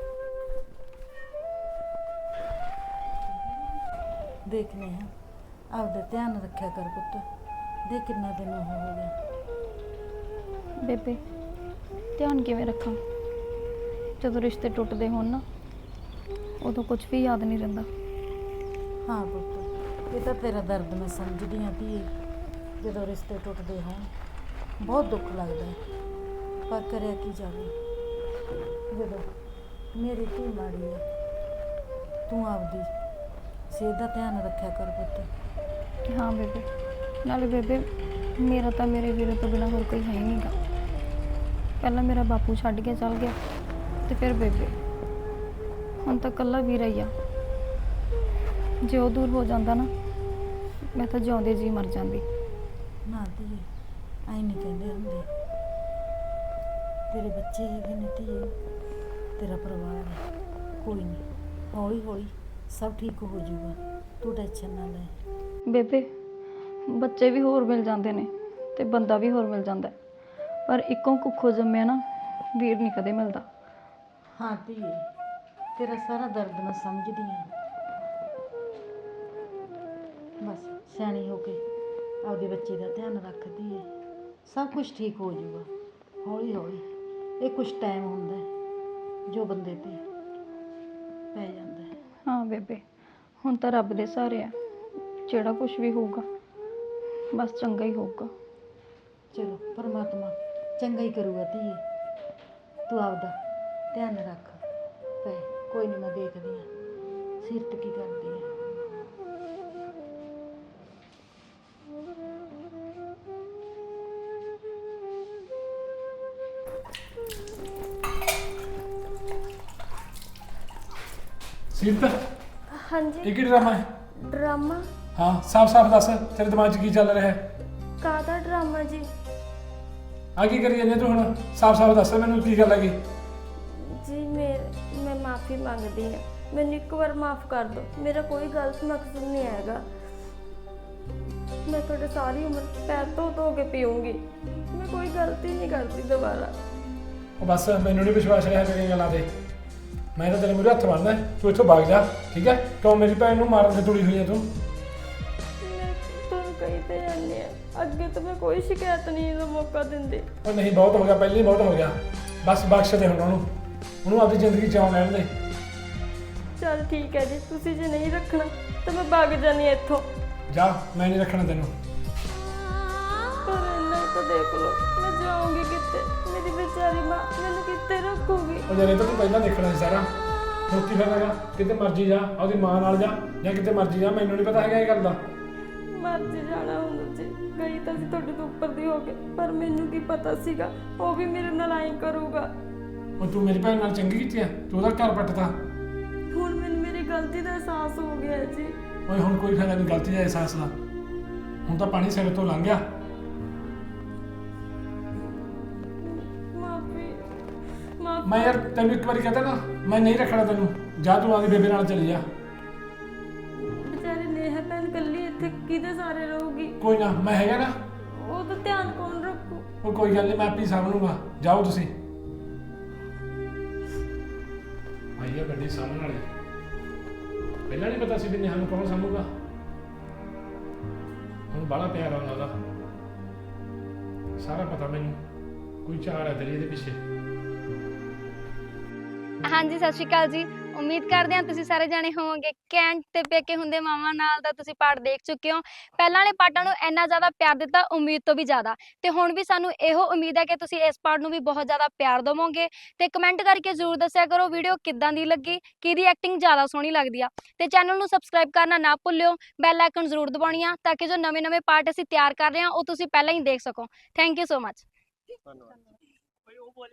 Speaker 6: ਦੇਖਨੇ ਹਾਂ, ਆਪਦਾ ਧਿਆਨ ਰੱਖਿਆ ਕਰ ਪੁੱਤ। ਦੇਖ ਕਿੰਨਾ ਦਿਨ ਹੋ ਗਿਆ।
Speaker 7: ਬੇਬੇ ਧਿਆਨ ਕਿਵੇਂ ਰੱਖਾਂ? ਜਦੋਂ ਰਿਸ਼ਤੇ ਟੁੱਟਦੇ ਹੋਣ ਨਾ, ਉਦੋਂ ਕੁਝ ਵੀ ਯਾਦ ਨਹੀਂ ਰਹਿੰਦਾ।
Speaker 6: ਹਾਂ ਪੁੱਤ, ਇਹ ਤਾਂ ਤੇਰਾ ਦਰਦ ਮੈਂ ਸਮਝਦੀ ਹਾਂ ਧੀਏ। ਜਦੋਂ ਰਿਸ਼ਤੇ ਟੁੱਟਦੇ ਹੋਣ ਬਹੁਤ ਦੁੱਖ ਲੱਗਦਾ ਹੈ, ਪਰ ਕਰਿਆ ਕੀ ਜਾਵੇ। ਜਦੋਂ ਮੇਰੀ ਧੀ ਮਾੜੀ ਹੈ, ਤੂੰ ਆਪਦੀ ਸਿਹਤ ਦਾ ਧਿਆਨ ਰੱਖਿਆ ਕਰ ਪੁੱਤ।
Speaker 7: ਹਾਂ ਬੇਬੇ, ਨਾਲੇ ਬੇਬੇ ਮੇਰਾ ਤਾਂ ਮੇਰੇ ਵੀਰੇ ਤੋਂ ਬਿਨਾਂ ਹੋਰ ਕੋਈ ਹੈ ਹੀ ਨਹੀਂਗਾ। ਪਹਿਲਾਂ ਮੇਰਾ ਬਾਪੂ ਛੱਡ ਕੇ ਚਲ ਗਿਆ ਤੇ ਫਿਰ ਬੇਬੇ, ਹੁਣ ਤਾਂ ਇਕੱਲਾ ਵੀਰਾ ਹੀ ਆ। ਜੇ ਉਹ ਦੂਰ ਹੋ ਜਾਂਦਾ ਨਾ, ਮੈਂ ਤਾਂ ਜਿਉਂਦੇ ਜੀ ਮਰ ਜਾਂਦੀ।
Speaker 6: ਨਾ ਧੀਏ, ਆਈ ਨਹੀਂ ਕਹਿੰਦੇ ਹੁੰਦੇ। ਤੇਰੇ ਬੱਚੇ ਹੈਗੇ ਨੇ ਧੀਏ, ਤੇਰਾ ਪਰਿਵਾਰ ਹੈ। ਕੋਈ ਨਹੀਂ, ਹੌਲੀ ਹੌਲੀ ਸਭ ਠੀਕ ਹੋ ਜਾਊਗਾ, ਤੂੰ ਟੈਨਸ਼ਨ ਨਾ ਲੈ।
Speaker 7: ਬੇਬੇ ਬੱਚੇ ਵੀ ਹੋਰ ਮਿਲ ਜਾਂਦੇ ਨੇ ਤੇ ਬੰਦਾ ਵੀ ਹੋਰ ਮਿਲ ਜਾਂਦਾ, ਪਰ ਇੱਕੋਂ ਕੁੱਖੋਂ ਜੰਮਿਆ ਨਾ ਵੀਰ ਨਹੀਂ ਕਦੇ ਮਿਲਦਾ।
Speaker 6: ਹਾਂ ਧੀਏ, ਤੇਰਾ ਸਾਰਾ ਦਰਦ ਮੈਂ ਸਮਝਦੀ ਹਾਂ। ਬਸ ਸਿਆਣੀ ਹੋ ਕੇ ਆਪਦੇ ਬੱਚੇ ਦਾ ਧਿਆਨ ਰੱਖਦੀ ਹੈ, ਸਭ ਕੁਝ ਠੀਕ ਹੋ ਜਾਊਗਾ ਹੌਲੀ ਹੌਲੀ। ਇਹ ਕੁਝ ਟਾਈਮ ਹੁੰਦਾ ਹੈ ਜੋ ਬੰਦੇ ਤੇ ਪੈ ਜਾਂਦਾ ਹੈ।
Speaker 7: ਹਾਂ ਬੇਬੇ, ਹੁਣ ਤਾਂ ਰੱਬ ਦੇ ਸਹਾਰੇ ਆ। ਜਿਹੜਾ ਕੁਝ ਵੀ ਹੋਊਗਾ ਬਸ ਚੰਗਾ ਹੀ ਹੋਊਗਾ।
Speaker 6: ਚਲੋ ਪਰਮਾਤਮਾ ਚੰਗਾ ਹੀ ਕਰੂਗਾ ਧੀਏ। ਤੂੰ ਆਪਦਾ ਧਿਆਨ ਰੱਖ ਪੈ। ਕੋਈ ਨਹੀਂ, ਮੈਂ ਦੇਖਦੀ ਹਾਂ ਸਿਰਤ ਕੀ ਕਰਦੀ ਹੈ।
Speaker 3: ਸੀਰਤ,
Speaker 1: ਹਾਂਜੀ।
Speaker 3: ਇਹ ਕੀ ਡਰਾਮਾ ਹੈ?
Speaker 1: ਡਰਾਮਾ?
Speaker 3: ਹਾਂ ਸਾਫ਼-ਸਾਫ਼ ਦੱਸ, ਤੇਰੇ ਦਿਮਾਗ 'ਚ ਕੀ ਚੱਲ ਰਿਹਾ ਹੈ?
Speaker 1: ਕਾਹਦਾ ਡਰਾਮਾ ਜੀ?
Speaker 3: ਆ ਕੀ ਕਰੀ ਜਾਂਦੀ ਤੂੰ ਹੁਣ? ਸਾਫ਼-ਸਾਫ਼ ਦੱਸ ਮੈਨੂੰ ਕੀ ਗੱਲ ਹੈਗੀ।
Speaker 1: ਜੀ ਮੈਂ ਮਾਫੀ ਮੰਗਦੀ ਹਾਂ, ਮੈਨੂੰ ਇੱਕ ਵਾਰ ਮਾਫ ਕਰ ਦਿਓ। ਮੇਰਾ ਕੋਈ ਗਲਤ ਮਕਸਦ ਨਹੀਂ ਹੈਗਾ। ਮੈਂ ਤੁਹਾਡੇ ਸਾਰੀ ਉਮਰ ਪੈਰ ਧੋ ਕੇ ਪੀਊਂਗੀ। ਮੈਂ ਕੋਈ ਗਲਤੀ ਨਹੀਂ ਕਰਦੀ ਦੁਬਾਰਾ।
Speaker 3: ਉਹ ਬਸ ਮੈਨੂੰ ਨਹੀਂ ਵਿਸ਼ਵਾਸ ਰਿਹਾ ਤੇਰੀਆਂ ਗੱਲਾਂ ਤੇ। ਮੈਂ ਤਾਂ ਤੇਰੇ ਮੂਹਰੇ ਹੱਥ ਬੰਨ੍ਹਦਾ, ਤੂੰ ਇੱਥੋਂ ਭੱਗ ਜਾ। ਠੀਕ ਹੈ? ਕਿਉਂ ਮੇਰੀ ਭੈਣ ਨੂੰ ਮਾਰਨ ਤੇ ਤੁਲੀ ਹੋਈ ਹੈ ਤੂੰ?
Speaker 1: ਮੈਂ ਤੁਹਾਨੂੰ ਕਹੀ ਤੇ ਜਾਂਦੀ ਹਾਂ, ਅੱਗੇ ਤੋਂ ਮੈਂ ਕੋਈ ਸ਼ਿਕਾਇਤ ਨਹੀਂ ਦਾ ਮੌਕਾ ਦਿੰਦੀ।
Speaker 3: ਉਹ ਨਹੀਂ, ਬਹੁਤ ਹੋ ਗਿਆ, ਪਹਿਲਾਂ ਹੀ ਬਹੁਤ ਹੋ ਗਿਆ। ਬਸ ਬਖਸ਼ ਦੇ ਹੁਣ ਉਹਨੂੰ ਆਪਣੀ ਜ਼ਿੰਦਗੀ ਜਿਉਣ ਲੈਣ ਦੇ।
Speaker 1: ਚਲ ਠੀਕ ਹੈ ਜੀ, ਤੁਸੀਂ ਜੇ ਨਹੀਂ ਰੱਖਣਾ ਤਾਂ ਮੈਂ ਭੱਗ ਜਾਨੀ ਹਾਂ ਇੱਥੋਂ।
Speaker 3: ਜਾ, ਮੈਂ ਨਹੀਂ ਰੱਖਣਾ ਤੈਨੂੰ।
Speaker 1: ਪਰ ਇੰਨਾ ਹੀ ਤਾਂ ਦੇਖ ਲਓ, ਮੈਂ ਜਾਊਂਗੀ ਕਿੱਥੇ? ਮੇਰੀ ਵਿਚਾਰੀ ਮਾਂ ਮੈਨੂੰ ਕਿੱਥੇ ਰੱਖੂਗੀ?
Speaker 3: ਉਹ ਜਿਹੜੇ ਤਾਂ ਤੂੰ ਪਹਿਲਾਂ ਦੇਖਣਾ ਸੀ ਸਾਰਾ। ਹੁਣ ਕੀ ਫਾਇਦਾ ਹੈਗਾ? ਕਿਤੇ ਮਰਜੀ ਜਾ, ਆਪਦੀ ਮਾਂ ਨਾਲ ਜਾ ਜਾਂ ਕਿਤੇ ਮਰਜੀ ਜਾ, ਮੈਨੂੰ ਨਹੀਂ ਪਤਾ ਹੈਗਾ ਇਹ ਗੱਲ ਦਾ।
Speaker 1: ਮਰਜੀ ਜਾਣਾ ਹੁੰਦਾ ਜੀ, ਗਈ ਤਾਂ ਸੀ ਤੁਹਾਡੇ ਤੋਂ ਉੱਪਰ ਦੀ ਹੋ ਕੇ, ਪਰ ਮੈਨੂੰ ਕੀ ਪਤਾ ਸੀਗਾ ਉਹ ਵੀ ਮੇਰੇ ਨਾਲ ਐਂ ਕਰੂਗਾ।
Speaker 3: ਹੁਣ ਤੂੰ ਮੇਰੀ ਭੈਣ ਨਾਲ ਚੰਗੀ ਕੀਤੀ ਆ, ਤੂੰ ਉਹਦਾ ਘਰ ਪੱਟਦਾ।
Speaker 1: ਹੁਣ ਮੈਨੂੰ ਮੇਰੀ ਗਲਤੀ ਦਾ ਅਹਿਸਾਸ ਹੋ ਗਿਆ ਜੀ।
Speaker 3: ਓਏ ਹੁਣ ਕੋਈ ਫਾਇਦਾ ਨਹੀਂ ਗਲਤੀ ਦਾ ਅਹਿਸਾਸ ਦਾ। ਹੁਣ ਤਾਂ ਪਾਣੀ ਸਿਰ ਤੋਂ ਲੰਘ ਗਿਆ। ਮੈਂ ਯਾਰ ਤੈਨੂੰ ਇੱਕ ਵਾਰੀ ਕਹਤਾ ਨਾ, ਮੈਂ ਨਹੀਂ ਰੱਖਣਾ ਤੈਨੂੰ। ਜਾ ਤੂੰ ਆਪਦੀ ਬੇਬੇ ਨਾਲ ਚਲੀ ਜਾ।
Speaker 1: ਵਿਚਾਰੀ ਨੇਹਾ ਭੈਣ ਇਕੱਲੀ ਇੱਥੇ ਕਿਹਦੇ ਸਾਰੇ ਰਹੂਗੀ?
Speaker 3: ਕੋਈ ਨਾ, ਮੈਂ ਹੈਗਾ ਨਾ।
Speaker 1: ਉਹਦਾ ਧਿਆਨ ਕੌਣ ਰੱਖੂ?
Speaker 3: ਉਹ ਕੋਈ ਗੱਲ ਨਹੀਂ, ਮੈਂ ਆਪੇ ਸਾਂਭ ਲੂੰਗਾ। ਜਾਓ ਤੁਸੀਂ। ਆਈਏ ਗੱਡੀ ਸਾਹਮਣੇ ਵਾਲੀ। ਪਹਿਲਾਂ ਨਹੀਂ ਪਤਾ ਸੀ ਵੀ ਨੇਹਾ ਨੂੰ ਕੌਣ ਸਾਂਭੂਗਾ। ਹੁਣ ਬੜਾ ਪਿਆਰ ਆਉਂਦਾ ਉਹਦਾ, ਸਾਰਾ ਪਤਾ ਮੈਨੂੰ। ਕੋਈ ਚਾਰ ਹੈ ਤੇਰੀ ਇਹਦੇ ਪਿੱਛੇ।
Speaker 9: ਹਾਂਜੀ ਸਤਿ ਸ਼੍ਰੀ ਅਕਾਲ ਜੀ।
Speaker 7: ਉਮੀਦ ਕਰਦੇ ਹਾਂ ਤੁਸੀਂ ਸਾਰੇ ਜਾਣੇ ਹੋਵੋਗੇ ਕੈਂਟ ਤੇ ਪੇਕੇ ਹੁੰਦੇ ਮਾਵਾਂ ਨਾਲ ਦਾ ਤੁਸੀਂ ਪਾਰਟ ਦੇਖ ਚੁੱਕੇ ਹੋ। ਪਹਿਲਾਂ ਵਾਲੇ ਪਾਰਟਾਂ ਨੂੰ ਇੰਨਾ ਜ਼ਿਆਦਾ ਪਿਆਰ ਦਿੱਤਾ, ਉਮੀਦ ਤੋਂ ਵੀ ਜ਼ਿਆਦਾ, ਤੇ ਹੁਣ ਵੀ ਸਾਨੂੰ ਇਹੋ ਉਮੀਦ ਹੈ ਕਿ ਤੁਸੀਂ ਇਸ ਪਾਰਟ ਨੂੰ ਵੀ ਬਹੁਤ ਜ਼ਿਆਦਾ ਪਿਆਰ ਦੇਵੋਗੇ। ਤੇ ਕਮੈਂਟ ਕਰਕੇ ਜ਼ਰੂਰ ਦੱਸਿਆ ਕਰੋ ਵੀਡੀਓ ਕਿੱਦਾਂ ਦੀ ਲੱਗੀ, ਕਿਹਦੀ ਐਕਟਿੰਗ ਜ਼ਿਆਦਾ ਸੋਹਣੀ ਲੱਗਦੀ ਆ। ਤੇ ਚੈਨਲ ਨੂੰ ਸਬਸਕ੍ਰਾਈਬ ਕਰਨਾ ਨਾ ਭੁੱਲਿਓ, ਬੈਲ ਆਈਕਨ ਜ਼ਰੂਰ ਦਬਾਉਣੀ ਆ ਤਾਂ ਕਿ ਜੋ ਨਵੇਂ-ਨਵੇਂ ਪਾਰਟ ਅਸੀਂ ਤਿਆਰ ਕਰ ਰਹੇ ਹਾਂ ਉਹ ਤੁਸੀਂ ਪਹਿਲਾਂ ਹੀ ਦੇਖ ਸਕੋ। Thank you so much.
Speaker 2: ਧੰਨਵਾਦ।